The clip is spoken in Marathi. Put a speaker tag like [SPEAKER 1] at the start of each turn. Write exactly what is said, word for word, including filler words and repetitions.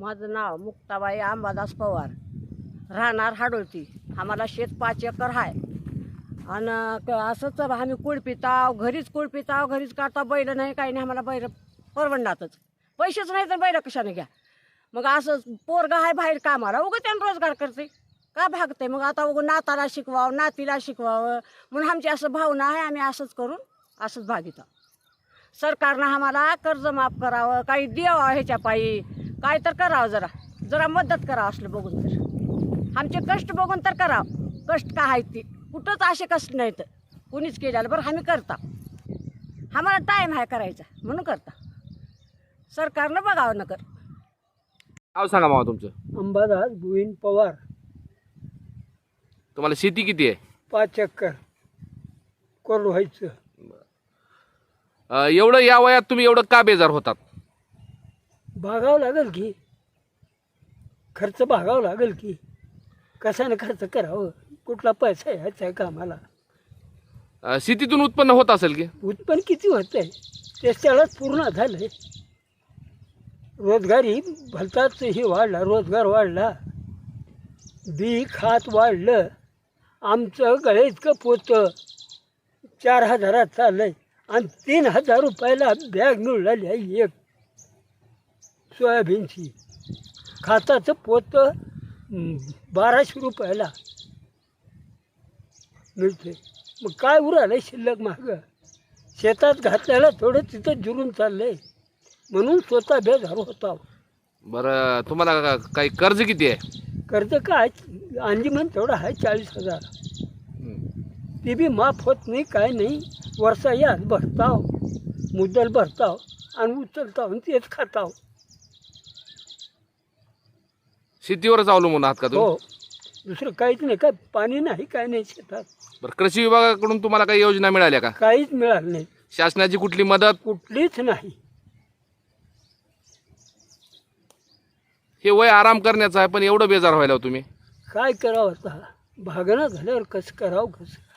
[SPEAKER 1] माझं नाव मुक्ताबाई अंबादास पवार, राहणार हाडोळती. आम्हाला शेत पाच एकर आहे आणि असंच आम्ही कुळपिताव, घरीच कुळपिताव, घरीच काढता. बैल नाही काही नाही, आम्हाला बैल परवडणारच. पैसेच नाही तर बैल कशाने घ्या. मग असं पोरगा आहे बाहेर कामाला, उगं त्यानं रोजगार करते का भागते. मग आता उगं नाताला शिकवावं, नातीला शिकवावं म्हणून आमची असं भावना आहे. आम्ही असंच करून असंच भागित. सरकारनं आम्हाला कर्ज माफ करावं, काही द्यावं ह्याच्या पायी, काय तर करावं, जरा जरा मदत करावं असलं बघून. तर आमचे कष्ट बघून तर करावं. कष्ट का आहेत ती कुठंच असे कष्ट नाहीत कुणीच केलेलं. बरं आम्ही करता, आम्हाला टाईम आहे करायचा म्हणून करता. सरकारनं बघावं न कर.
[SPEAKER 2] नाव सांगा मामा तुमचं.
[SPEAKER 3] अंबादास गोविंद पवार.
[SPEAKER 2] तुम्हाला शेती किती आहे?
[SPEAKER 3] पाच एकर कोरड व्हायचं.
[SPEAKER 2] अं, एवढं या वयात तुम्ही एवढं का बेजार होतात?
[SPEAKER 3] भागावं लागेल की, खर्च भागावं लागेल की. कशाने खर्च करावं, कुठला पैसा यायचा आहे का आम्हाला.
[SPEAKER 2] अं, शेतीतून उत्पन्न होत असेल की?
[SPEAKER 3] उत्पन्न किती होत आहे ते त्यालाच पूर्ण झालं आहे. रोजगारी भलताच हे वाढला, रोजगार वाढला, बी खात वाढलं. आमचं गळे इतकं पोतं चार हजारात चाललं आहे आणि तीन हजार रुपयाला बॅग मिळाली आहे एक सोयाबीनची. खाताचं पोतं हं, बाराशे रुपयाला मिळते. मग काय उरालं शिल्लक मागं. शेतात घातल्याला थोडं तिथं जुरून चाललं आहे म्हणून स्वतः बेजार होता.
[SPEAKER 2] बरं, तुम्हाला का- काही कर्ज किती आहे?
[SPEAKER 3] कर्ज काय अंजीमन तेवढं आहे चाळीस हजार. ती बी माफ होत नाही, काय नाही. वर्षा याच भरताव, मुद्दल भरताव आणि उचलताव आणि तेच खाताव.
[SPEAKER 2] शेतीवरच अवलंबून आहात का तुम्ही?
[SPEAKER 3] हो, दुसरं काहीच नाही. काय पाणी नाही, काय नाही शेतात.
[SPEAKER 2] बरं, कृषी विभागाकडून तुम्हाला काही योजना मिळाल्या का?
[SPEAKER 3] काहीच मिळालं नाही,
[SPEAKER 2] शासनाची कुठली मदत?
[SPEAKER 3] कुठलीच नाही.
[SPEAKER 2] हे वय आराम करण्याचं आहे, पण एवढं बेजार व्हायला हो तुम्ही.
[SPEAKER 3] काय करावं आता, भागणं झाल्यावर कसं करावं कसं.